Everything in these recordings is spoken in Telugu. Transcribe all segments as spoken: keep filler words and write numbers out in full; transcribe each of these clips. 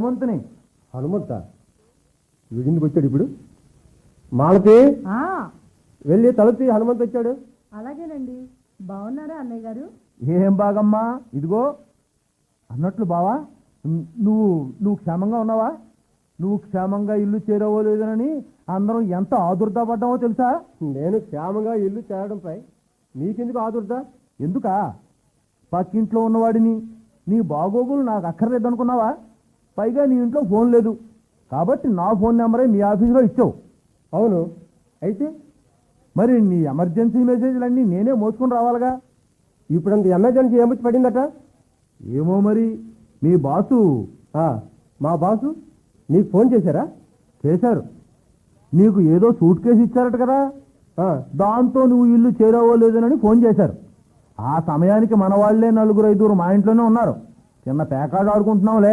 హనుమంతుని. హనుమంత వీడిందుకు వచ్చాడు ఇప్పుడు. మాలతి వెళ్ళి తలుపు హనుమంత్ వచ్చాడు. అలాగేనండి. బాగున్నారా అన్నయ్య గారు? ఏం బాగమ్మా, ఇదిగో అన్నట్లు బావా, నువ్వు నువ్వు క్షేమంగా ఉన్నావా? నువ్వు క్షేమంగా ఇల్లు చేరవలేదనని అందరం ఎంత ఆదుర్దా పడ్డామో తెలుసా? నేను క్షేమంగా ఇల్లు చేరడంపై నీకెందుకు ఆదుర్దా? ఎందుకా? పక్కింట్లో ఉన్నవాడిని, నీ బాగోగులు నాకు అక్కర్లేదనుకున్నావా? పైగా నీ ఇంట్లో ఫోన్ లేదు కాబట్టి నా ఫోన్ నెంబరే మీ ఆఫీసులో ఇచ్చావు. అవును, అయితే మరి నీ ఎమర్జెన్సీ మెసేజ్లన్నీ నేనే మోసుకొని రావాలిగా. ఇప్పుడంత ఎమర్జెన్సీ ఏమొచ్చి పడిందట? ఏమో మరి. మీ బాసు మా బాసు నీకు ఫోన్ చేశారా? చేశారు. నీకు ఏదో సూట్ కేసు ఇచ్చారట కదా, దాంతో నువ్వు ఇల్లు చేరవలేదనని ఫోన్ చేశారు. ఆ సమయానికి మన వాళ్లే నలుగురు ఐదుగురు మా ఇంట్లోనే ఉన్నారు. చిన్న పేకాడు ఆడుకుంటున్నాంలే.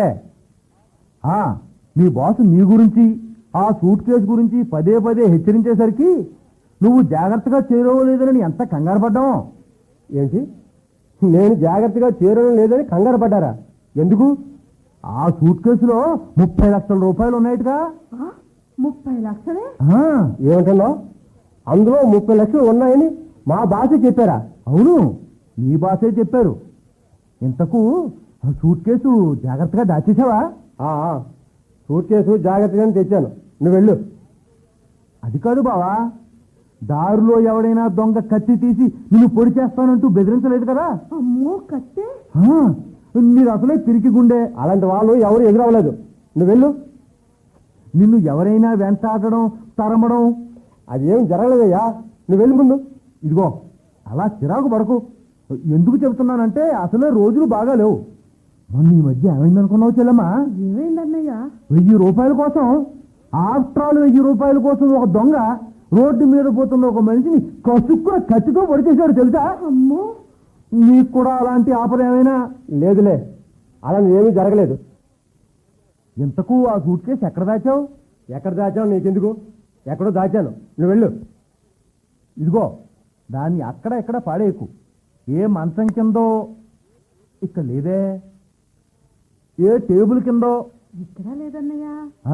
నీ బాసు నీ గురించి ఆ సూట్ కేసు గురించి పదే పదే హెచ్చరించేసరికి నువ్వు జాగ్రత్తగా చేరవలేదని ఎంత కంగారు పడ్డావు. ఏంటి, నేను జాగ్రత్తగా చేరడం లేదని కంగారు పడ్డారా? ఎందుకు? ఆ సూట్ కేసులో ముప్పై లక్షల రూపాయలు ఉన్నాయిగా. ముప్పై లక్షలే? ఏమంటున్నావు? అందులో ముప్పై లక్షలు ఉన్నాయని మా బాసే చెప్పారా? అవును, మీ బాసే చెప్పారు. ఇంతకు ఆ సూట్ కేసు జాగ్రత్తగా దాచేసావా? సూట్ కేసు జాగ్రత్తగానే తెచ్చాను, నువ్వు వెళ్ళు. అది కాదు బావా, దారిలో ఎవడైనా దొంగ కత్తి తీసి నిన్ను పొడి చేస్తానంటూ బెదిరించలేదు కదా? అమ్మో, కత్తి? నీకు అసలే పిరికి గుండె. అలాంటి వాళ్ళు ఎవరు ఎదురవ్వలేదు, నువ్వు వెళ్ళు. నిన్ను ఎవరైనా వెంటాడడం తరమడం అది ఏం జరగలేదయ్యా, నువ్వు వెళ్ళి ముందు. ఇదిగో అలా చిరాకు పడకు. ఎందుకు చెబుతున్నానంటే అసలే రోజులు బాగా లేవు. మొన్న ఈ మధ్య ఏమైందనుకున్నావు చెల్లమ్మా? ఏమైందన్నయ్య? వెయ్యి రూపాయల కోసం, ఆఫ్టర్ ఆల్ వెయ్యి రూపాయల కోసం ఒక దొంగ రోడ్డు మీద పోతున్న ఒక మనిషిని కసుక్కున కత్తితో పొడిచేశాడు తెలుసా? అమ్మో, నీకు కూడా అలాంటి ఆపద ఏమైనా? లేదులే, అలా ఏమీ జరగలేదు. ఇంతకు ఆ సూట్ కేసు ఎక్కడ దాచావు? ఎక్కడ దాచావు నీకెందుకు? ఎక్కడో దాచాను, నువ్వు వెళ్ళు. ఇదిగో దాన్ని అక్కడ ఎక్కడ పాడేయకు. ఏ మంచం కిందో ఇక్కడ లేదే, ఏ టేబుల్ కిందో ఇక్కడ లేదన్నయ్య.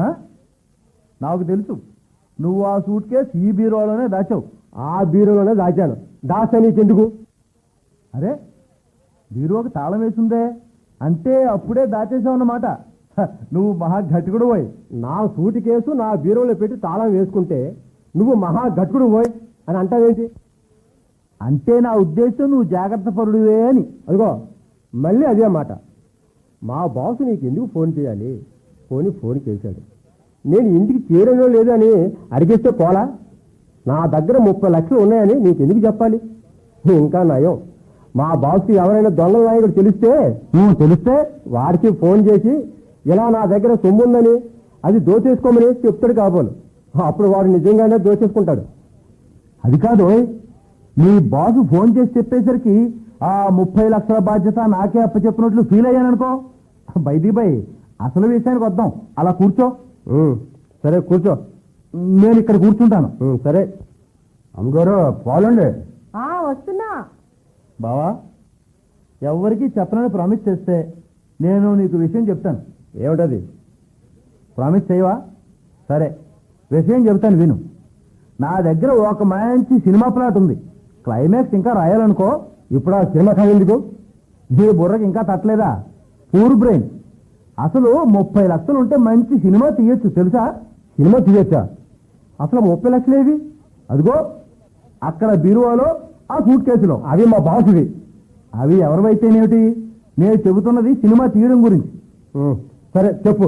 నాకు తెలుసు, నువ్వు ఆ సూట్ కేసు ఈ బీరోలోనే దాచావు. ఆ బీరోలోనే దాచాను. దాచా నీకెందుకు? అరే, బీరోకి తాళం వేసిందే అంటే అప్పుడే దాచేసావు అన్నమాట. నువ్వు మహా గట్టికుడు పోయి. నా సూట్ కేసు నా బీరోలో పెట్టి తాళం వేసుకుంటే నువ్వు మహా గట్టికుడు పోయి అని అంటావేంటి? అంటే నా ఉద్దేశం నువ్వు జాగ్రత్త పరుడువే అని. అదిగో మళ్ళీ అదే మాట. మా బాసు నీకు ఎందుకు ఫోన్ చేయాలి? ఫోన్ ఫోన్ చేశాడు, నేను ఇంటికి చేరనో లేదో అని అడిగేస్తే పోలా? నా దగ్గర ముప్పై లక్షలు ఉన్నాయని నీకు ఎందుకు చెప్పాలి? ఇంకా నయం, మా బాస్కి ఎవరైనా దొంగల నాయకుడు తెలిస్తే నువ్వు తెలిస్తే వాడికి ఫోన్ చేసి ఇలా నా దగ్గర సొమ్ము ఉందని అది దోచేసుకోమని చెప్తాడు కాబోలు. అప్పుడు వాడు నిజంగానే దోచేసుకుంటాడు. అది కాదు, నీ బాసు ఫోన్ చేసి చెప్పేసరికి ఆ ముప్పై లక్షల బాధ్యత నాకే అప్పచెప్పినట్లు ఫీల్ అయ్యాననుకో. బైది బై అసలు విషయానికి వద్దాం. అలా కూర్చో. సరే కూర్చో, నేను ఇక్కడ కూర్చుంటాను. సరే అమ్మగారు పోలండి. వస్తున్నా బావా. ఎవరికి చెప్పనని ప్రామిస్ చేస్తే నేను నీకు విషయం చెప్తాను. ఏమిటది? ప్రామిస్ చేయవా? సరే, విషయం చెప్తాను విను. నా దగ్గర ఒక మంచి సినిమా ప్లాట్ ఉంది. క్లైమాక్స్ ఇంకా రాయాలనుకో. ఇప్పుడు ఆ సినిమా కథ ఎందుకు? నీ బుర్రకి ఇంకా తట్టలేదా? Poor brain. అసలు ముప్పై లక్షలు ఉంటే మంచి సినిమా తీయొచ్చు తెలుసా? సినిమా తీయొచ్చా? అసలు ముప్పై లక్షలు ఏవి? అదిగో అక్కడ బీరువాలో ఆ సూట్ కేసులో. అవి మా బాసువి. అవి ఎవరివైతేనేమిటి, నేను చెబుతున్నది సినిమా తీయడం గురించి. సరే చెప్పు.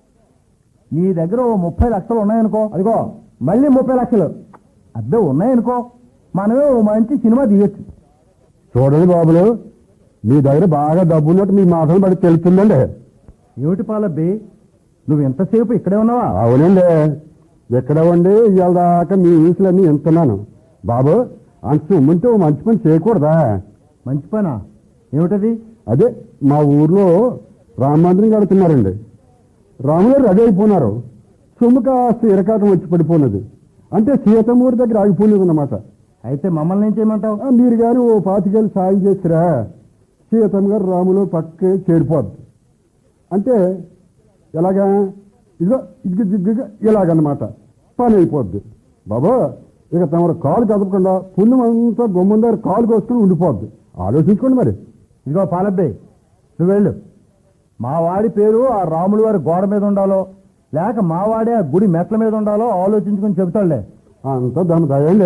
నీ దగ్గర ఓ ముప్పై లక్షలు ఉన్నాయనుకో. అదిగో మళ్ళీ ముప్పై లక్షలు అద్దె ఉన్నాయనుకో, మనమే ఓ మంచి సినిమా తీయొచ్చు. చూడండి బాబులు, మీ దగ్గర బాగా డబ్బు ఉన్నట్టు మీ మాటలు బట్టి తెలుస్తుందండి. ఏమిటి పాలబ్బి, నువ్వు ఎంతసేపు ఇక్కడే ఉన్నావా? అవునండి, ఎక్కడ ఉండి ఇవాళ దాకా మీ ఊసులన్నీ ఎంతున్నాను. బాబు అంత సొమ్ముంటే ఓ మంచి పని చేయకూడదా? మంచి పనా? ఏమిటది? అదే మా ఊర్లో రామ మందిరం కడుతున్నారండి. రాముగారు రెడీ అయిపోయినారు. సొమ్ము కాస్త ఇరకాటం వచ్చి పడిపోయినది. అంటే సీతమూరి దగ్గర ఆగిపోయినది అన్నమాట. అయితే మమ్మల్ని ఏం చేయమంటావు? మీరు కానీ ఓ పాతికేళ్ళు సాయం చేసిరా, సీతమ్మ గారు రాములో పక్కే చేరిపోద్ది. అంటే ఎలాగా ఇదిగో ఇదిగో ఇదిగో ఇలాగన్నమాట పని అయిపోద్ది బాబా. ఇక తమరు కాలు కదపకుండా పుణ్యం అంతా గుమ్మం దగ్గర కాలు కోసుకుని ఉండిపోద్ది. ఆలోచించుకోండి మరి. ఇదిగో పాలబ్బాయి, నువ్వు వెళ్ళు. మా వాడి పేరు ఆ రాముల వారి గోడ మీద ఉండాలో లేక మా వాడే ఆ గుడి మెట్ల మీద ఉండాలో ఆలోచించుకొని చెబుతాడులే. అంతా దాని దయండి.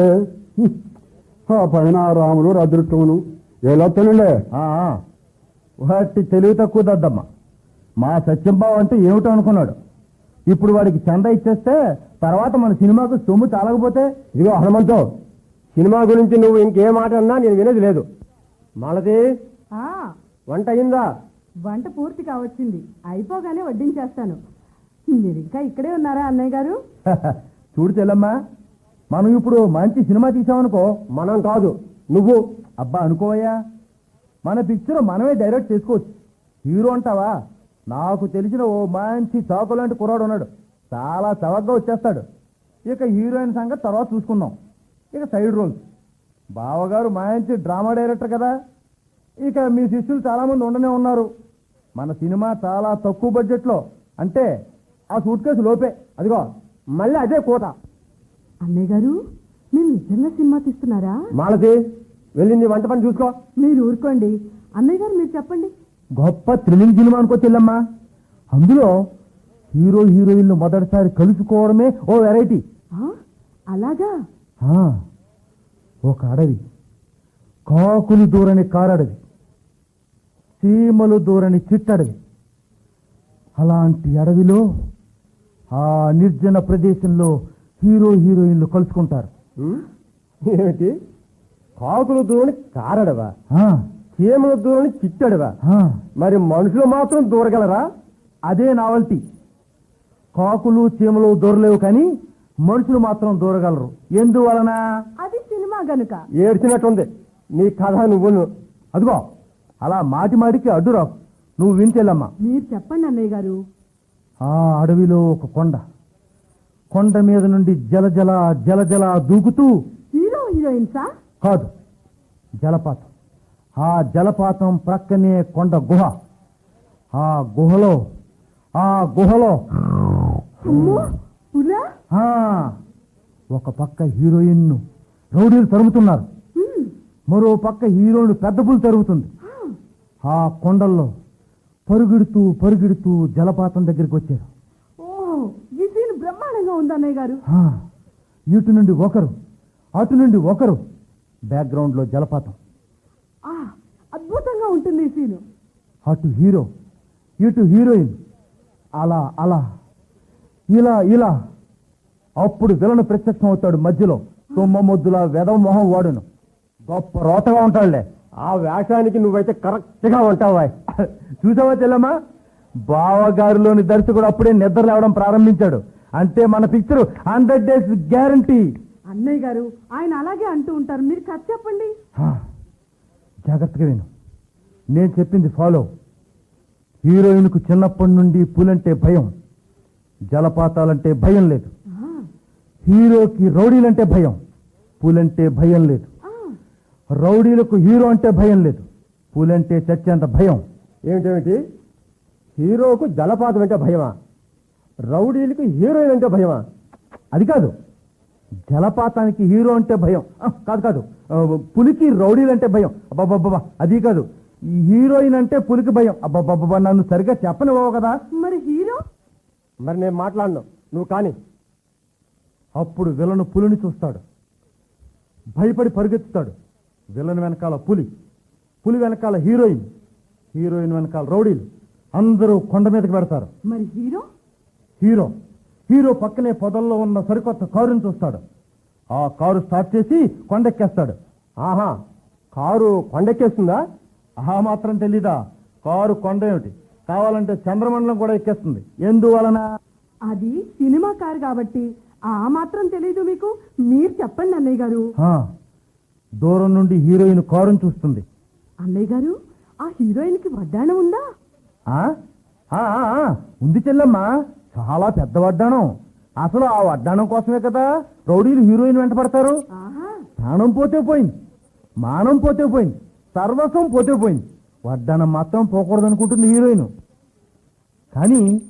ఆ పైన ఆ రాములు అదృష్టమును ఏలొత్తనండి. ఆ, ఆ. వాటి తెలివి తక్కువ దద్దమ్మ. మా సత్యంబాబు అంటే ఏమిటో అనుకున్నాడు. ఇప్పుడు వాడికి చంద ఇచ్చేస్తే తర్వాత మన సినిమాకు సొమ్ము చాలకపోతే. ఇదిగో హనుమంతో, సినిమా గురించి నువ్వు ఇంకేం మాట అన్నా నేను వినేది లేదు. మాలతి, ఆ వంట అయిందా? వంట పూర్తి కావచ్చింది, అయిపోగానే వడ్డించేస్తాను. మీరు ఇంకా ఇక్కడే ఉన్నారా అన్నయ్య గారు? చూడు చెల్లమ్మా, మనం ఇప్పుడు మంచి సినిమా తీసామనుకో. మనం కాదు, నువ్వు. అబ్బా అనుకోవయ్యా, మన పిక్చర్ మనమే డైరెక్ట్ చేసుకోవచ్చు. హీరో అంటావా? నాకు తెలిసిన ఓ మంచి చాకు లాంటి కుర్రాడు ఉన్నాడు, చాలా చవకగా వచ్చేస్తాడు. ఇక హీరోయిన్ సంగతి తర్వాత చూసుకుందాం. ఇక సైడ్ రోల్స్, బావగారు మంచి డ్రామా డైరెక్టర్ కదా. ఇక మీ శిష్యులు చాలామంది ఉండనే ఉన్నారు. మన సినిమా చాలా తక్కువ బడ్జెట్లో, అంటే ఆ సూట్ కేసు లోపే. అదిగో మళ్ళీ అదే కోత. అన్నయ్య గారు, మీరు నిజంగా సినిమా తీస్తున్నారా? మాలతి, వెళ్ళింది వంట పని చూసుకో. మీరు ఊరుకోండి అన్నయ్య గారు, మీరు చెప్పండి. గొప్ప థ్రిల్లింగ్ సినిమా అనుకో చెల్లమ్మా. అందులో హీరో హీరోయిన్లు మొదటిసారి కలుసుకోవడమే ఓ వెరైటీ. ఆ, అలాగా? ఆ, ఒక అడవి, కాకులు దూరని కారడవి, చీమలు దూరని చిట్టడవి. అలాంటి అడవిలో ఆ నిర్జన ప్రదేశంలో హీరో హీరోయిన్లు కలుసుకుంటారు. ఉమ్, ఏమిటి? కాకులు దూరని కారడవా, ఆ, చీమల దూరని చిట్టడవా? ఆ, మరి మనుషులు మాత్రం దూరగలరా? అదే నావల్టీ. కాకులు చీమలు దూరలేవు కానీ మనుషులు మాత్రం దూరగలరు. ఎందువలన? అది సినిమా గనుక. ఏడ్చినట్టుంది నీ కథ. నువ్వు అదిగో అలా మాటి మాటికి అడ్డురావు. నువ్వు వించెల్లమ్మా. మీరు చెప్పండి అన్నయ్య గారు. ఆ అడవిలో ఒక కొండ, కొండ మీద నుండి జలజల జలజల దూకుతూ. హీరో హీరోయిన్సా? కాదు, జలపాతం. ఆ జలపాతం ప్రక్కనే కొండ గుహ. ఆ గుహలో ఆ గుహలో అమ్మో, పులా? ఆ ఒక పక్క హీరోయిన్ రౌడీలు తరుముతున్నారు, హ్మ్. మరో పక్క హీరోయిన్ పెద్ద పులు తరుగుతుంది. ఆ కొండల్లో పరుగెడుతూ పరుగెడుతూ జలపాతం దగ్గరికి వచ్చారు. ఓ, ఈ సీన్ బ్రహ్మాండంగా ఉంది అన్నయ్య గారు. ఆ, ఇటు నుండి ఒకరు, అటు నుండి ఒకరు, బ్యాక్గ్రౌండ్లో జలపాతం. ఆ, అద్భుతంగా ఉంటుంది ఈ సీను. అటు హీరో, ఇటు హీరోయిన్, అలా అలా ఇలా ఇలా. అప్పుడు విలను ప్రత్యక్షం అవుతాడు మధ్యలో. తొమ్మ మొద్దుల వెదవ మొహం వాడును, గొప్ప రోతగా ఉంటాడులే. ఆ వేషానికి నువ్వైతే కరెక్ట్ గా ఉంటావా? చూసావా చెల్లమ్మా, బావగారిలోని దర్శకుడు అప్పుడే నిద్ర లేవడం ప్రారంభించాడు. అంటే మన పిక్చర్ హండ్రెడ్ డేస్ గ్యారంటీ. అన్నయ్య గారు, ఆయన అలాగే అంటూ ఉంటారు, మీరు కథ చెప్పండి. జాగ్రత్తగా విను, నేను చెప్పింది ఫాలో. హీరోయిన్కు చిన్నప్పటి నుండి పూలంటే భయం, జలపాతాలంటే భయం లేదు. ఆ, హీరోకి రౌడీలంటే భయం, పూలంటే భయం లేదు. ఆ, రౌడీలకు హీరో అంటే భయం లేదు, పూలంటే చచ్చేంత భయం. ఏమిటేమిటి? హీరోకు జలపాతం అంటే భయమా? రౌడీలకు హీరోయిన్ అంటే భయమా? అది కాదు, జలపాతానికి హీరో అంటే భయం. ఆ, కాదు కాదు, ఆ, పులికి రౌడీలంటే భయం. అబ్బాబ్బాబ్బా, అది కాదు, ఈ హీరోయిన్ అంటే పులికి భయం. అబ్బాబ్బాబ్బా, నన్ను సరిగ్గా చెప్పనివ్వవు కదా. మరి హీరో? మరి నేను మాట్లాడను, నువ్వు కానీ. అప్పుడు విలను పులిని చూస్తాడు, భయపడి పరుగెత్తుతాడు. విలన్ వెనకాల పులి, పులి వెనకాల హీరోయిన్, హీరోయిన్ వెనకాల రౌడీలు, అందరూ కొండ మీదకి పెడతారు. మరి హీరో? హీరో హీరో పక్కనే పొదల్లో ఉన్న సరికొత్త కారుని చూస్తాడు. ఆ కారు స్టార్ట్ చేసి కొండెక్కేస్తాడు. ఆహా, కారు కొండెక్కేస్తుందా? ఆ మాత్రం తెలీదా? కారు కొండ ఏమిటి, కావాలంటే చంద్రమండలం కూడా ఎక్కేస్తుంది. ఎందువలన? అది సినిమా కారు కాబట్టి ఆ మాత్రం తెలీదు మీకు? మీరు చెప్పండి అన్నయ్య గారు. ఆ, దూరం నుండి హీరోయిన్ కారుని చూస్తుంది. అన్నయ్య గారు, ఆ హీరోయిన్ కి వడ్డాణం ఉందా? ఆ ఆ, ఆ, ఆ, ఉంది చెల్లమ్మా, చాలా పెద్ద వడ్డాణం. అసలు ఆ వడ్డాణం కోసమే కదా రౌడీలు హీరోయిన్ వెంట పడతారు. ఆహా, ప్రాణం పోతే పోయింది, మానం పోతే పోయింది, సర్వస్వం పోతే పోయింది, వడ్డాణం మాత్రం పోకూడదు అనుకుంటుంది హీరోయిన్. కానీ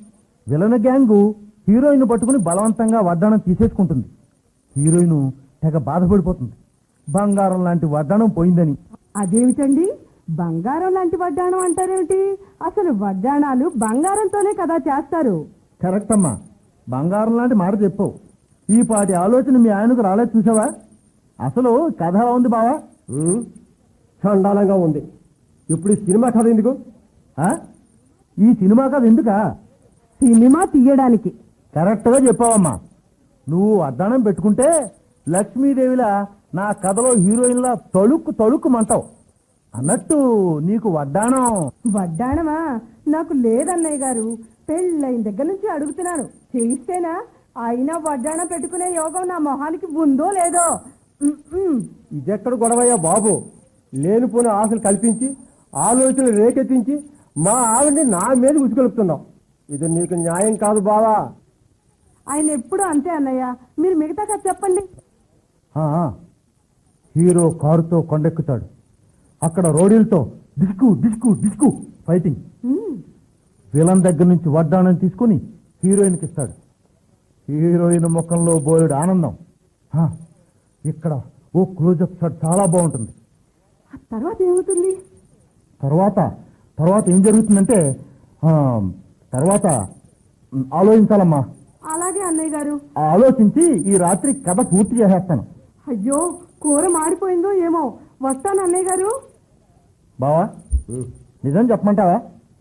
విలన్ గ్యాంగు హీరోయిన్ పట్టుకుని బలవంతంగా వడ్డాణం తీసేసుకుంటుంది. హీరోయిన్ తెగ బాధపడిపోతుంది, బంగారం లాంటి వడ్డాణం పోయిందని. అదేమిటండి, బంగారం లాంటి వడ్డాణం అంటారేమిటి? అసలు వడ్డాణాలు బంగారంతోనే కదా చేస్తారు. కరెక్ట్ అమ్మా, బంగారం లాంటి మాట చెప్పావు. ఈ పాటి ఆలోచన మీ ఆయనకు రాలేదు చూసావా? అసలు కథ ఎలా ఉంది బావా? ఉమ్, చండాలంగా ఉంది. ఇప్పుడు ఈ సినిమా కథ ఎందుకు? ఆ? ఈ సినిమా కథ ఎందుకా? సినిమా తీయడానికి. కరెక్ట్గా చెప్పావమ్మా. నువ్వు వడ్డాణం పెట్టుకుంటే లక్ష్మీదేవిలా నా కథలో హీరోయిన్లా తళుక్కు తళుక్కుమంటావు. అన్నట్టు నీకు వడ్డాణం. వడ్డాణమా? నాకు లేదన్నయ్య గారు. పెళ్ళైన దగ్గర నుంచి అడుగుతున్నాను, చేయిస్తేనా? అయినా వడ్డాణం పెట్టుకునే యోగం నా మొహానికి ఉందో లేదో. ఉమ్, ఉమ్. ఇదెక్కడ గొడవయ్యా బాబు? లేనిపోయిన ఆశలు కల్పించి ఆలోచనలు రేకెత్తించి మా ఆవిడ్ని నా మీద ఉసుకొలుపుతున్నావు. ఇది నీకు న్యాయం కాదు బావా. ఆయన ఎప్పుడు అంతే అన్నయ్య. మీరు మిగతా కథ చెప్పండి. ఆ, హీరో కారుతో కొండెక్కుతాడు. అక్కడ రోడీలతో డిస్కు డిస్కు డిస్కు ఫైటింగ్. ఉమ్. విలన్ దగ్గర నుంచి వడ్డాణం తీసుకుని హీరోయిన్కి ఇస్తాడు. హీరోయిన్ ముఖంలో బోలెడు ఆనందం. ఆ, ఇక్కడ ఓ క్లోజప్ షాట్ చాలా బాగుంటుంది. ఆ తర్వాత ఏమవుతుంది? తర్వాత తర్వాత ఏం జరుగుతుందంటే ఆ, తర్వాత ఉమ్, ఆలోచించాలమ్మా. అలాగే అన్నయ్య గారు. ఆలోచించి ఈ రాత్రి కథ పూర్తి చేసేస్తాను. అయ్యో, కూర మాడిపోయిందో ఏమో. వస్తాను అన్నయ్య గారు. బావా, నిజం చెప్పమంటావా?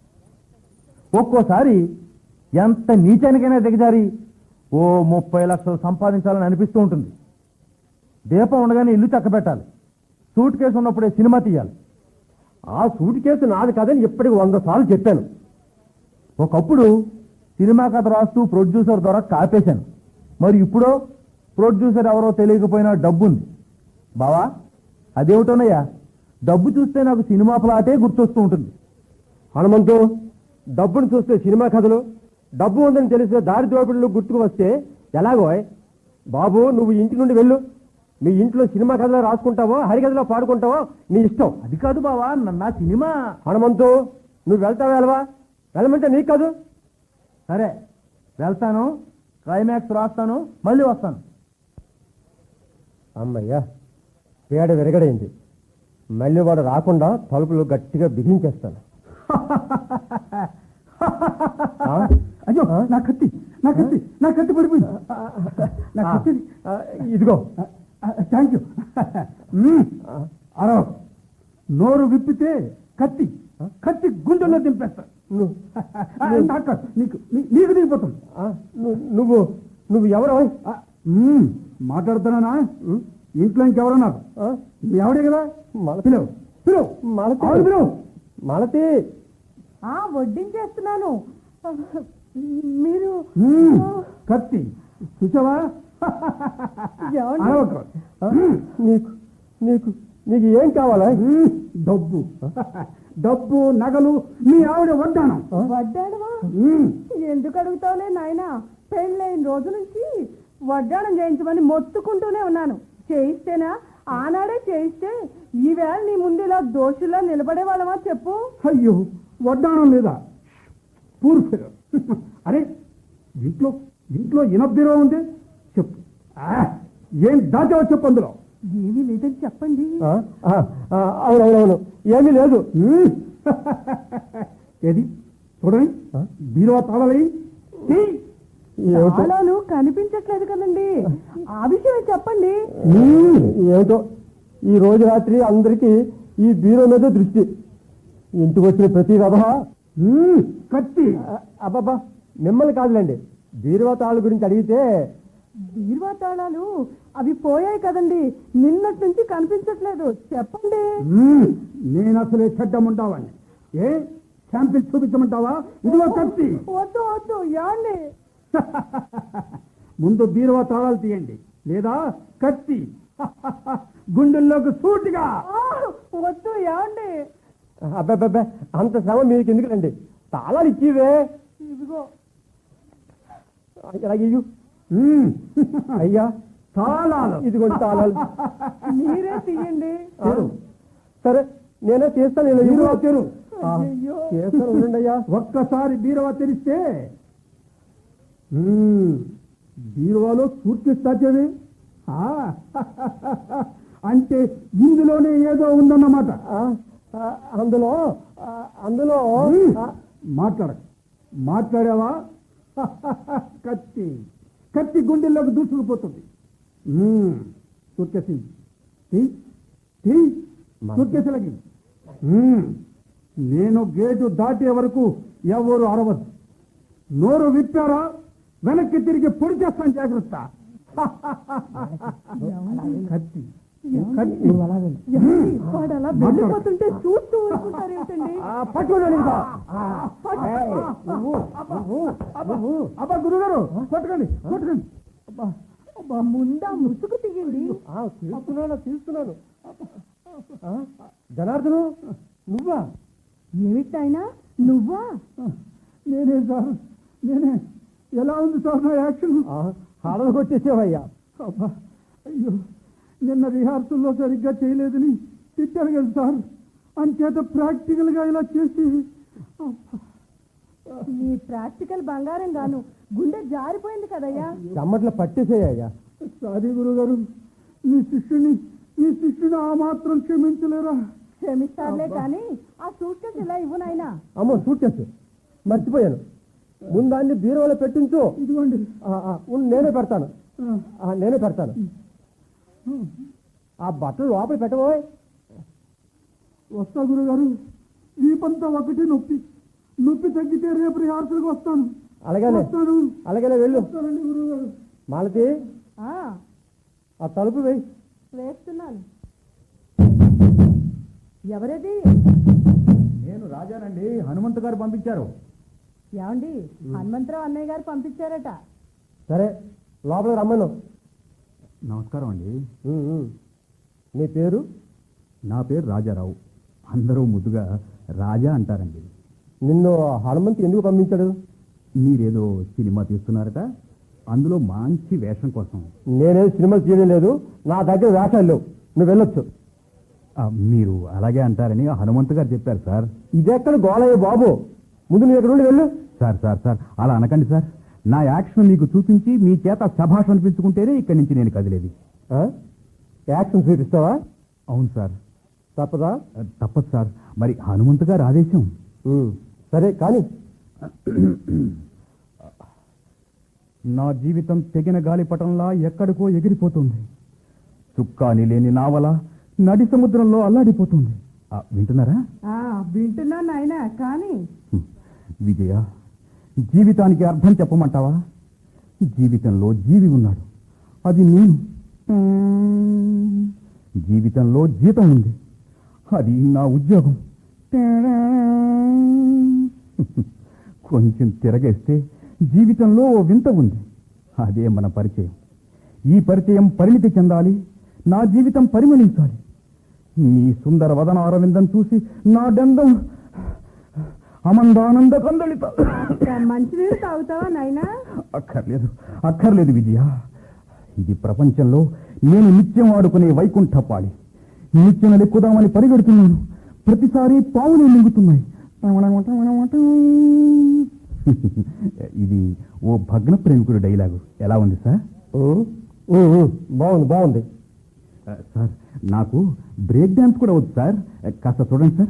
ఒక్కోసారి ఎంత నీచానికైనా దిగజారి ఓ ముప్పై లక్షలు సంపాదించాలని అనిపిస్తూ ఉంటుంది. దీపం ఉండగానే ఇల్లు చక్కబెట్టాలి. సూట్ కేసు ఉన్నప్పుడే సినిమా తీయాలి. ఆ సూటి కేసు నాది కాదని ఇప్పటికి వంద సార్లు చెప్పాను. ఒకప్పుడు సినిమా కథ రాస్తూ ప్రొడ్యూసర్ ద్వారా కాపేశాను. మరి ఇప్పుడు ప్రొడ్యూసర్ ఎవరో తెలియకపోయినా డబ్బుంది. బావా, అదేమిటోనయ్యా, డబ్బు చూస్తే నాకు సినిమా ప్లాటే గుర్తొస్తూ ఉంటుంది. హనుమంతు, డబ్బును చూస్తే సినిమా కథలు, డబ్బు ఉందని తెలిస్తే దారి దోపిడులు గుర్తుకు వస్తే ఎలాగో? బాబు, నువ్వు ఇంటి నుండి వెళ్ళు. మీ ఇంట్లో సినిమా కథలో రాసుకుంటావో హరికథలో పాడుకుంటావో నీ ఇష్టం. అది కాదు బావా, నా సినిమా. హనుమంతు, నువ్వు వెళ్తావా వెళ్ళవా? వెళ్ళమంటే నీకు కాదు. సరే, వెళ్తాను, క్లైమాక్స్ రాస్తాను, మళ్ళీ వస్తాను. అమ్మయ్యా, పేడ విరగడైంది. మళ్ళీ వాడు రాకుండా తలుపులు గట్టిగా బిగించేస్తాను. ఆ? అయ్యో, నా కత్తి నా కత్తి నా కత్తి పడిపోయింది. నా ఆ, కత్తి. ఆ, ఇదిగో. Thank you. అరవ, నోరు విప్పితే కత్తి కత్తి గుండెల్లో దింపేస్తా. ను- నాకు నీకు నీ- నీకు దిగిపోతుంది. ఆ, ను- నువ్వు నువ్వు ఎవరు? ఆ, మ్మ్, మాట్లాడుతున్నానా? ఇంట్లో ఇంకెవరన్నారు? ఆ? మీ ఆవిడే కదా. మల- పిలువు పిలువు మలతి. ఆవిడ పిలువు. మలతి. ఆ వడ్డించేస్తున్నాను. మీరు మ్మ్, కత్తి చూసావా? ఏమండి? అరవకు. ఆ? నీకు నీకు నీకు ఏం కావాలా? మ్మ్, డబ్బు డబ్బు నగలు మీ ఆవిడ వడ్డానం. వడ్డాణమా? మ్మ్. ఎందుకు అడుగుతావులే నాయనా. పెళ్ళైన రోజు నుంచి వడ్డాణం చేయించమని మొత్తుకుంటూనే ఉన్నాను. చేయిస్తేనా? ఆనాడే చేయిస్తే ఈవేళ నీ ముందు ఇలా దోషుల్లో నిలబడే వాళ్ళమా చెప్పు. అయ్యో, వడ్డాణం లేదా? పూర్తి. అరే, ఇంట్లో ఇంట్లో ఇనబ్బిరో ఉంది. చెప్పు. ఆ, ఏం దాచావో చెప్పు అందులో. ఏమీ లేదని చెప్పండి. ఆ? ఆ, ఆ, అవునవునవును, ఏమీ లేదు. మ్మ్. ఏది చూడండి, ఆ? బీరువా తాళాలి. ఏమిటో తాళాలు కనిపించట్లేదు కదండి. ఆ విషయం చెప్పండి. మ్మ్, ఏమిటో ఈ రోజు రాత్రి అందరికీ ఈ బీరో మీద దృష్టి. ఇంటికి వచ్చిన ప్రతి రథ కత్తి. అబ్బాబ్బా, మిమ్మల్ని కాదులేండి, బీరువా తాళ్ళ గురించి అడిగితే బీరువా తాళాలు అవి పోయాయి కదండి. నిన్నటి నుంచి కనిపించట్లేదు. చెప్పండి. మ్మ్. నేను అసలే చెడ్డముంటావాన్ని. ఏ శాంపిల్ చూపించమంటావా? ఇదిగో కత్తి. వద్దు వద్దు, ఏమండి? ముందు బీరువా తాళాలు తీయండి, లేదా కత్తి గుండెల్లోకి సూటిగా. ఆ, వద్దు, ఏమండి? అబ్బాబ్బా, అంత శ్రమ మీకు ఎందుకులండి? తాళాలు ఇచ్చివే. ఇదిగో. ఇయ్యు. మ్మ్. అయ్యా, తాళాలు. ఇదిగోండి తాళాలు. మీరే తీయండి. ఆ, సరే, నేనే తీస్తాను. నేను బీరువా ఇవ్వు. తెరు. ఆ, అయ్యో. చేస్తాను, ఉండండి అయ్యా. ఒక్కసారి బీరువా తెరిస్తే బీరువాలో సూట్ కేసు దాచేది ఆ, అంటే ఇందులోనే ఏదో ఉందన్నమాట. ఆ, ఆ, అందులో ఆ, అందులో ఆ, మాట్లాడక మాట్లాడావా కత్తి కత్తి గుండెల్లోకి దూసుకుపోతుంది. సూట్ కేసు సూట్ కేసులకి నేను గేటు దాటే వరకు ఎవరు అరవద్దు. నోరు విప్పారా వెనక్కి తిరిగి పొడి చేస్తాను, జాగ్రత్త. కత్తి కత్తి వాడు అలా వెళ్ళిపోతుంటే చూస్తూ ఊరుకుంటారేంటండి? పట్టుకోండి. అబ్బా గురుగారు పట్టుకోండి పట్టుకోండి. ముందా ముసుగు తీయండి. ఆ, తీస్తున్నాను తీస్తున్నాను ఆ, జనార్దను నువ్వా? ఏమిటైనా నువ్వా? నేనే సార్ నేనే. ఎలా ఉంది సార్ నా యాక్షన్? హాడలు కొట్టేసేవయ్యా. అబ్బా అయ్యో, నిన్న రిహార్సల్లో సరిగ్గా చేయలేదని తిట్టారు కదా సార్. అంచేత ప్రాక్టికల్గా ఇలా చేసి నీ ప్రాక్టికల్ బంగారం గాను గుండె జారిపోయింది కదయ్యా. చెమ్మట్ల పట్టేసేయ్యా. సారీ గురుగారు, మీ శిష్యుని మీ శిష్యుని ఆ మాత్రం క్షమించలేరా? క్షమిస్తారులే కానీ ఆ సూట్ కేసు ఇలా ఇవ్వు నాయనా. అమ్మో సూట్ కేసు మర్చిపోయాను. ముందాన్ని బీరువాలో పెట్టించు. ఇదిగోండి. ఆ, ఆ, ఉండు, నేనే పెడతాను. ఆ, ఆ, నేనే పెడతాను. ఆ బట్టలు లోపల పెట్టబోయ్. వస్తా గురుగారు. వీపంతా ఒకటి నొప్పి నొప్పి తగ్గితే రేపు రిహార్సల్కి వస్తాను. అలాగేలే వస్తాను అలాగేలే వెళ్ళు. వస్తానండి గురుగారు. మాలతి ఆ, ఆ తలుపు వేయి. వేస్తున్నాను. ఎవరది? నేను రాజానండి, హనుమంతు గారు పంపించారు. ఏమండి, హనుమంతరావు అన్నయ్య గారు పంపించారట. సరే లోపల రమ్మను. నమస్కారం అండి. ఉమ్, ఉమ్. నీ పేరు? నా పేరు రాజారావు. అందరూ ముద్దుగా రాజా అంటారండి. నిన్ను హనుమంతు ఎందుకు పంపించాడు? మీరేదో సినిమా తీస్తున్నారట, అందులో మంచి వేషం కోసం. నేనేం సినిమాలు చేయలేదు, నా దగ్గర వేషాలు లేవు, నువ్వు వెళ్ళొచ్చు. ఆ, మీరు అలాగే అంటారని హనుమంతు గారు చెప్పారు సార్. ఇదెక్కడ గోళయ్య బాబు, ముందు నువ్వు ఎక్కడ నుండి వెళ్ళు. సార్ సార్ సార్ అలా అనకండి సార్. నా యాక్షన్ మీకు చూపించి మీ చేత శభాష్ అనిపించుకుంటేనే ఇక్కడి నుంచి నేను కదిలేది. ఆ? యాక్షన్ చూపిస్తావా? అవును సార్. తప్పదా? ఆ, తప్పదు సార్, మరి హనుమంతు గారు ఆదేశం. ఉమ్, సరే కానీ నా జీవితం తెగిన గాలిపటంలా ఎక్కడికో ఎగిరిపోతుంది. చుక్కాని లేని నావల నడి సముద్రంలో అల్లాడిపోతుంది. ఆ, వింటున్నారా? ఆ, వింటున్నా నాయనా, కానీ హ్మ్. విజయ, జీవితానికి అర్థం చెప్పమంటావా? జీవితంలో జీవి ఉన్నాడు, అది నేను. జీవితంలో జీతం ఉంది, అది నా ఉద్యోగం. కొంచెం తిరగేస్తే జీవితంలో ఓ వింత ఉంది, అదే మన పరిచయం. ఈ పరిచయం పరిణితి చెందాలి, నా జీవితం పరిమళించాలి. నీ సుందర వదన అరవిందం చూసి నా దండం అమందానంద కందళిత. మంచినీరు తాగుతావా నాయనా? అక్కర్లేదు అక్కర్లేదు విజయ, ఇది ప్రపంచంలో నేను నిత్యం ఆడుకునే వైకుంఠపాళి. నిత్యం ఎక్కుదామని పరిగెడుతున్నాను, ప్రతిసారి పావులు మింగుతున్నాయి. ఇది ఓ భగ్న ప్రేమికుడు డైలాగు. ఎలా ఉంది సార్? ఉమ్, ఉమ్, ఉమ్, బాగుంది బాగుంది. ఆ, సార్ నాకు బ్రేక్ డాన్స్ కూడా వచ్చు సార్, కాస్త చూడండి సార్.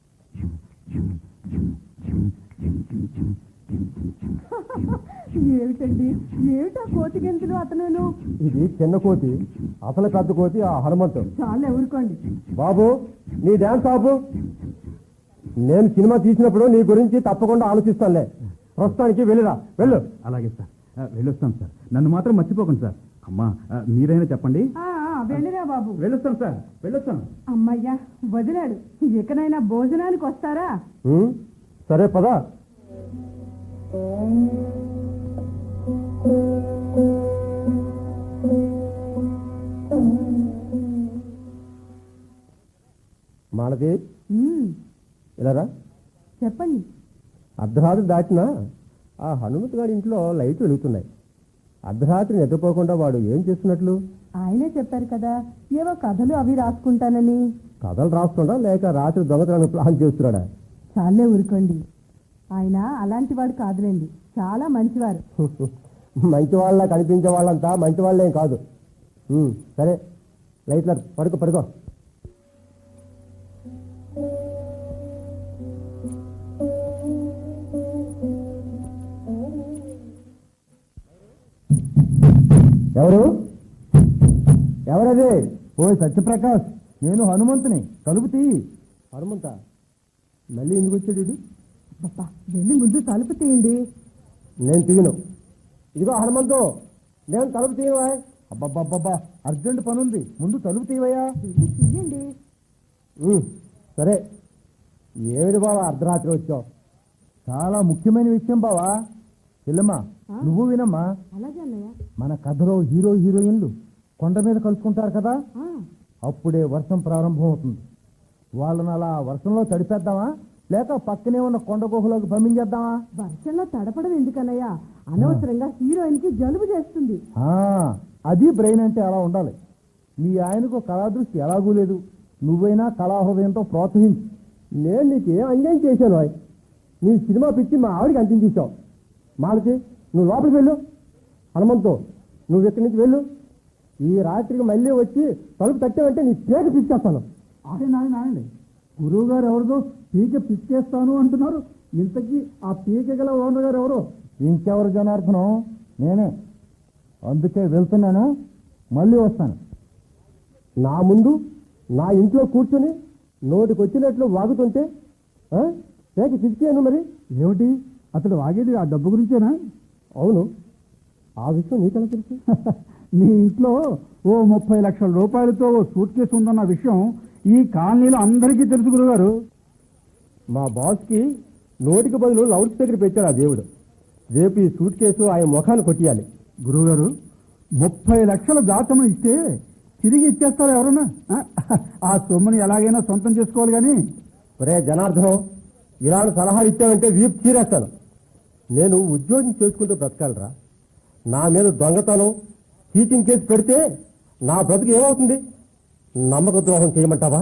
ఏమిటండి, ఏమిటా కోతి గెంతులు అతను? ఇది చిన్న కోతి, అసలు పెద్ద కోతి ఆ హనుమంతు. చాలా ఊరుకోండి. బాబు నీ డాన్స్ ఆపు. నేను సినిమా తీసినప్పుడు నీ గురించి తప్పకుండా ఆలోచిస్తానులే. ప్రస్తుతానికి వెళ్ళిరా, వెళ్ళు. అలాగే సార్, ఆ, వెళ్ళొస్తాను సార్. నన్ను మాత్రం మర్చిపోకండి సార్. అమ్మా, ఆ, మీరైనా చెప్పండి. ఆ, ఆ, వెళ్ళిరా బాబు. వెళ్ళొస్తాను సార్, వెళ్ళొస్తాను. అమ్మయ్యా, వదిలాడు. ఎక్కడైనా భోజనానికి వస్తారా? ఉమ్, సరే పదా. మాలతి ఉమ్, ఇలారా. చెప్పండి. అర్ధరాత్రి దాటినా ఆ హనుమంతు గారి ఇంట్లో లైట్లు వెలుగుతున్నాయి. అర్ధరాత్రి నిద్రపోకుండా వాడు ఏం చేస్తున్నట్లు? ఆయనే చెప్పారు కదా, ఏవో కథలు అవి రాసుకుంటానని. కథలు రాస్తుండా లేక రాత్రి దొంగతనాన్ని ప్లాన్ చేస్తున్నాడా? చాలే ఊరుకోండి, ఆయన అలాంటి వాడు కాదులేండి. చాలా మంచివారు. మంచి వాళ్ళ కనిపించే వాళ్ళంతా మంచి వాళ్ళేం కాదు. ఉమ్, సరే లైట్ల పడుకో పడుకో. ఎవరు ఎవరది? ఓ సత్యప్రకాష్, నేను హనుమంతుని. తలుపు తీ. హనుమంత మళ్ళీ ఎందుకు వచ్చాడు ఇది? అబ్బా, వెళ్ళి ముందు తలుపు తీయండి. నేను తీయను. ఇదిగో హనుమంతు, నేను తలుపు తీయను. అబ్బబ్బబ్బబ్బా, అర్జెంట్ పనుంది, ముందు తలుపు తీవయ్యా. వెళ్ళి తీయండి. ఉమ్, సరే. ఏమిటి బావా అర్ధరాత్రి వచ్చావు? చాలా ముఖ్యమైన విషయం బావా. చెల్లెమ్మా, ఆ? నువ్వు వినమ్మా. అలాగే అన్నయ్య. మన కథలో హీరో హీరోయిన్లు కొండ మీద కలుసుకుంటారు కదా, ఆ, అప్పుడే వర్షం ప్రారంభం అవుతుంది. వాళ్ళని అలా వర్షంలో తడిపేద్దామా, లేక పక్కనే ఉన్న కొండ గుహలోకి పంపించేద్దామా? వర్షంలో తడపడం ఎందుకన్నయ్య? అనవసరంగా హీరోయిన్ కి జలుబు చేస్తుంది. ఆ, అది బ్రెయిన్ అంటే అలా ఉండాలి. మీ ఆయనకు కళాదృష్టి ఎలాగూ లేదు. నువ్వైనా కళాహృదయంతో ప్రోత్సహించు. నేను నీకు ఏం అన్యాయం చేశాను? ఆయ్ నీ సినిమా పిచ్చి మా ఆవిడికి అందించేశావు. మాలతి, నువ్వు లోపలికి వెళ్ళు. హనుమంతు, నువ్వు ఇక్కడి నుంచి వెళ్ళు. ఈ రాత్రికి మళ్ళీ వచ్చి తలుపు తట్టావంటే నీ పేక పిచ్చేస్తాను. ఆయన ఆయన ఆయన గురువు గారు ఎవరిదో పీక పిచ్చేస్తాను అంటున్నారు. ఇంతకీ ఆ పీక గల ఓనర్ గారు ఎవరు? ఇంకెవరు జనార్దనం? నేనే. అందుకే వెళ్తున్నాను, మళ్ళీ వస్తాను. నా ముందు నా ఇంట్లో కూర్చొని నోటికి వచ్చినట్లు వాగుతుంటే ఆ? పేక పిచ్చాను. మరి ఏమిటి అతడు వాగేది ఆ డబ్బు గురించేనా? అవును. ఆ విషయం నీకెలా తెలుసు? నీ ఇంట్లో ఓ ముప్పై లక్షల రూపాయలతో ఓ సూట్ కేసు ఉందన్న విషయం ఈ కాలనీలో అందరికీ తెలుసు గురుగారు. మా బాస్కి నోటికి బదులు లౌడ్ స్పీకర్ పెట్టాడు ఆ దేవుడు. రేపు ఈ సూట్ కేసు ఆయన ముఖాన్ని కొట్టియాలి. గురుగారు, ముప్పై లక్షల దాతము ఇస్తే తిరిగి ఇచ్చేస్తారు ఎవరన్నా? ఆ, ఆ సొమ్ముని ఎలాగైనా సొంతం చేసుకోవాలి కానీ. ఒరే జనార్దనం, ఇలాంటి సలహాలు ఇచ్చావంటే వీపు చీరేస్తాను. నేను ఉద్యోగం చేసుకుంటూ బ్రతకాలరా. నా మీద దొంగతనం చీటింగ్ కేసు పెడితే నా బ్రతుకు ఏమవుతుంది? నమ్మక ద్రోహం చేయమంటావా?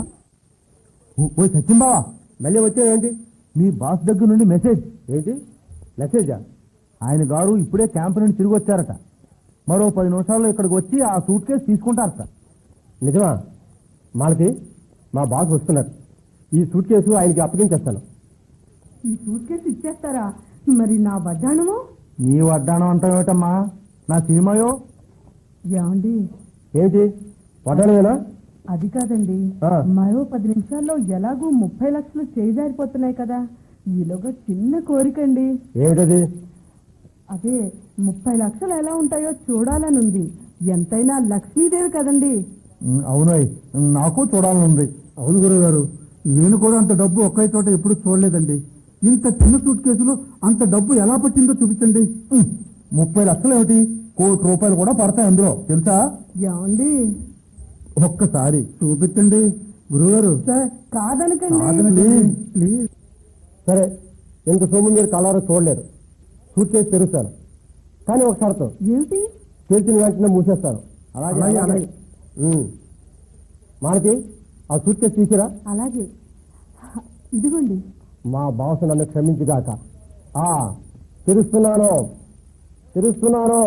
ఓ సత్యం బావా, మళ్ళీ వచ్చావేంటి? మీ బాస్ దగ్గర నుండి మెసేజ్. ఏంటి మెసేజా? ఆయన గారు ఇప్పుడే క్యాంప్ నుండి తిరిగి వచ్చారట. మరో పది నిమిషాల్లో ఇక్కడికి వచ్చి ఆ సూట్ కేసు తీసుకుంటారట. నిజమా? మాలతి, మా బాస్ వస్తున్నారు. ఈ సూట్ కేసు ఆయనకి అప్పగించేస్తాను. ఈ సూట్ కేసు ఇచ్చేస్తారా? మరి నా వడ్డాణము? నీ వడ్డాణం అంటావేటమ్మా? నా సినిమాయో? ఏమండి, ఏంటి వడ్డాణమేనా? అది కాదండి. ఆ. మరో పది నిమిషాల్లో ఎలాగూ ముప్పై లక్షలు చేజారిపోతున్నాయి కదా, ఈలోగా చిన్న కోరికండి. ఏమిటది? అదే ముప్పై లక్షలు ఎలా ఉంటాయో చూడాలనుంది. ఎంతైనా లక్ష్మీదేవి కదండి. అవునాయ్, నాకు చూడాలనుంది. అవును గురుగారు, నేను కూడా అంత డబ్బు ఒకే చోట ఎప్పుడు చూడలేదండి. ఇంత చిన్న సూట్ కేసులో అంత డబ్బు ఎలా పట్టిందో చూపించండి. ముప్పై లక్షలు ఏమిటి, కోటి రూపాయలు కూడా పడతాయి అందులో, తెలుసా? ఏమండి, ఒక్కసారి చూపించండి గురుగారు. సార్ కాదనకండి. Please please. సరే, ఇంత సొమ్ము మీరు కలవరో చూడలేరు. సూట్ కేసు తెరుస్తాను, కానీ ఒక షరతు. ఏమిటి? తెరిచిన వెంటనే మూసేస్తాను. అలాగే, అలాగే. ఉమ్. మాలతి, ఆ సూట్ కేసు తీసిరా. అలాగే. ఇదిగోండి. మా బాస్ నన్ను క్షమించుగాక. ఆ తెరుస్తున్నాను తెరుస్తున్నాను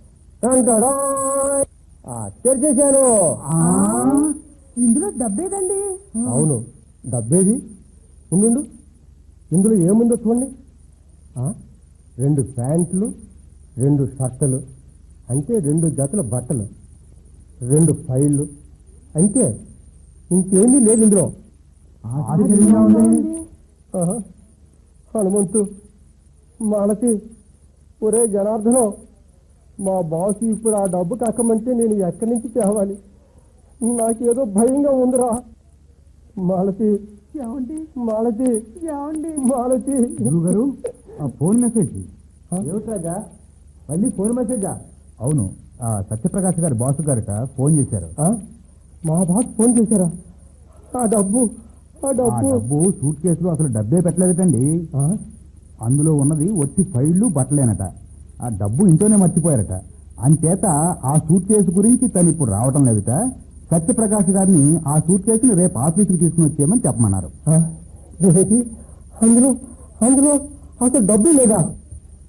టంటడాయ్. ఆ, తెరిచేశాను. ఆ, ఇందులో డబ్బేదండి. అవును, డబ్బేది ఉండు. ఇందులో ఏముందో చూడండి. ఆ, రెండు ప్యాంట్లు, రెండు షర్టులు, అంటే రెండు జతల బట్టలు, రెండు ఫైళ్ళు, అంతే, ఇంకేమీ లేదు ఇందులో. ఆశ్చర్యంగా ఉంది. ఆహా. హనుమంతు, మాలతి, ఒరే జనార్దనం, మా బాసు ఇప్పుడు ఆ డబ్బు కక్కమంటే నేను ఎక్కడి నుంచి తేవాలి? నాకేదో భయంగా ఉందిరా. మాలతి, ఏమండి, మాలతి, ఏమండి. మాలతి. గురుగారు, ఆ ఫోన్ మెసేజ్ ఏమిట్రాజా? మళ్ళీ ఫోన్ మెసేజా? అవును, ఆ సత్యప్రకాష్ గారి బాసు గారట ఫోన్ చేశారు. ఆ? మా బాస్ ఫోన్ చేశారా? ఆ డబ్బు ఆ ఆ డబ్బు డబ్బు సూట్ కేసులో అసలు డబ్బే పెట్టలేదటండి. ఆ? అందులో ఉన్నది ఒట్టి ఫైళ్లు బట్టలేనట. ఆ డబ్బు ఇంట్లోనే మర్చిపోయారట. అంచేత ఆ సూట్ కేసు గురించి తను ఇప్పుడు రావటం లేదట. సత్యప్రకాష్ గారిని ఆ సూట్ కేసుని రేపు ఆఫీసుకు తీసుకుని వచ్చేయమని చెప్పమన్నారు. ఆ? ఏంటి? అందులో అందులో అసలు డబ్బు లేదా?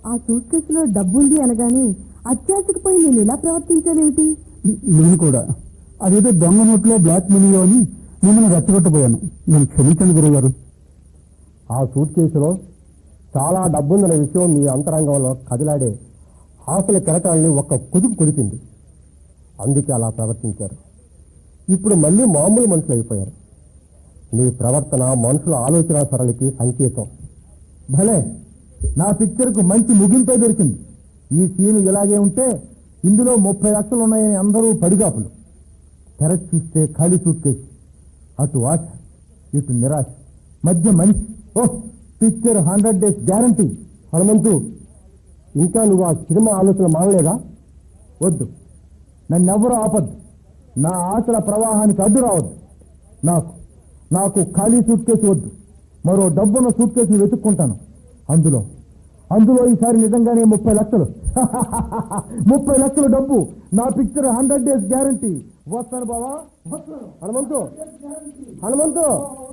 ఆ సూట్ కేసులో డబ్బుంది అనగానే అత్యాశకు పోయి నేను ఇలా ప్రవర్తించానేమిటి? నేను కూడా అదేదో దొంగ నోట్లో బ్లాక్ మనీలో అని మిమ్మల్ని రెచ్చగొట్టబోయాను. నేను క్షమించండి గురుగారు. ఆ సూట్ కేసులో చాలా డబ్బుందనే విషయం మీ అంతరంగంలో కదిలాడే ఆశల కెరటాలని ఒక్క కుదుపు కుదిపింది. అందుకే అలా ప్రవర్తించారు. ఇప్పుడు మళ్ళీ మామూలు మనుషులు అయిపోయారు. మీ ప్రవర్తన మనుషుల ఆలోచన సరళికి సంకేతం. భలే, నా పిక్చర్కు మంచి ముగింపే దొరికింది. ఈ సీను ఇలాగే ఉంటే ఇందులో ముప్పై లక్షలు ఉన్నాయని అందరూ పడిగాపులు. తెరచి చూస్తే ఖాళీ సూట్ కేసు, అటు ఆశ ఇటు నిరాశ, మధ్య మనిషి. Oh, picture hundred days guarantee. Hanumanthu, ఇంకా నువ్వు ఆ సినిమా ఆలోచన మానలేదా? వద్దు, నన్నెవరూ ఆపద్దు. నా ఆశల ప్రవాహానికి అడ్డు రావద్దు. నాకు నాకు ఖాళీ సూట్ కేసు వద్దు. మరో డబ్బున్న సూట్ కేసును వెతుక్కుంటాను. అందులో అందులో ఈసారి నిజంగానే ముప్పై లక్షలు ముప్పై లక్షల డబ్బు. నా పిక్చర్ హండ్రెడ్ డేస్ గ్యారంటీ. వస్తాను బావా, వస్తాను. హనుమంతు, హనుమంతు,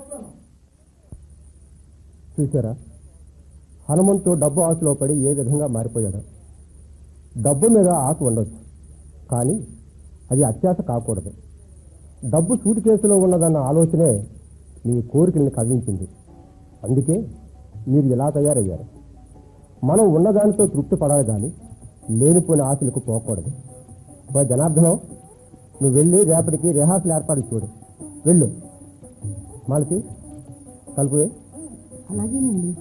చూసారా హనుమంతు డబ్బు ఆశలో పడి ఏ విధంగా మారిపోయాడు. డబ్బు మీద ఆశ ఉండొచ్చు, కానీ అది అత్యాశ కాకూడదు. డబ్బు సూట్ కేసులో ఉన్నదన్న ఆలోచనే మీ కోరికల్ని కదిలించింది. అందుకే మీరు ఇలా తయారయ్యారు. మనం ఉన్నదానితో తృప్తి పడాలి, కానీ లేనిపోయిన ఆశలకు పోకూడదు. ఓ జనార్దనం, నువ్వు వెళ్ళి రేపటికి రిహార్సల్ ఏర్పాటు చూడు. వెళ్ళు. మాలతి, కలుపువే. అలాగేనండి.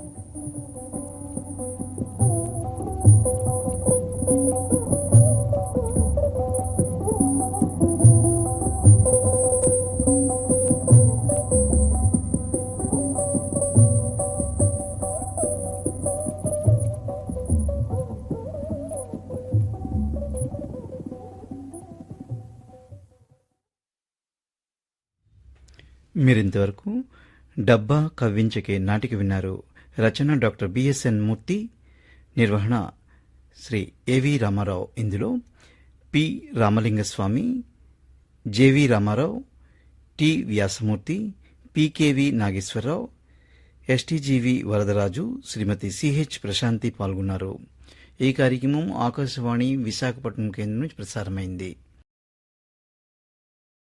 మీరింతవరకు డబ్బా కవ్వించకే నాటిక విన్నారు. రచన డాక్టర్ బిఎస్ఎన్ మూర్తి, నిర్వహణ శ్రీ ఏవి రామారావు. ఇందులో P Ramalingaswamy, J V Ramarao, T Vyasamurthy, P K V Nageswararao, S T G V Varadaraju, Srimathi C H Prashanti పాల్గొన్నారు. ఈ కార్యక్రమం ఆకాశవాణి విశాఖపట్నం కేంద్రం నుంచి ప్రసారమైంది.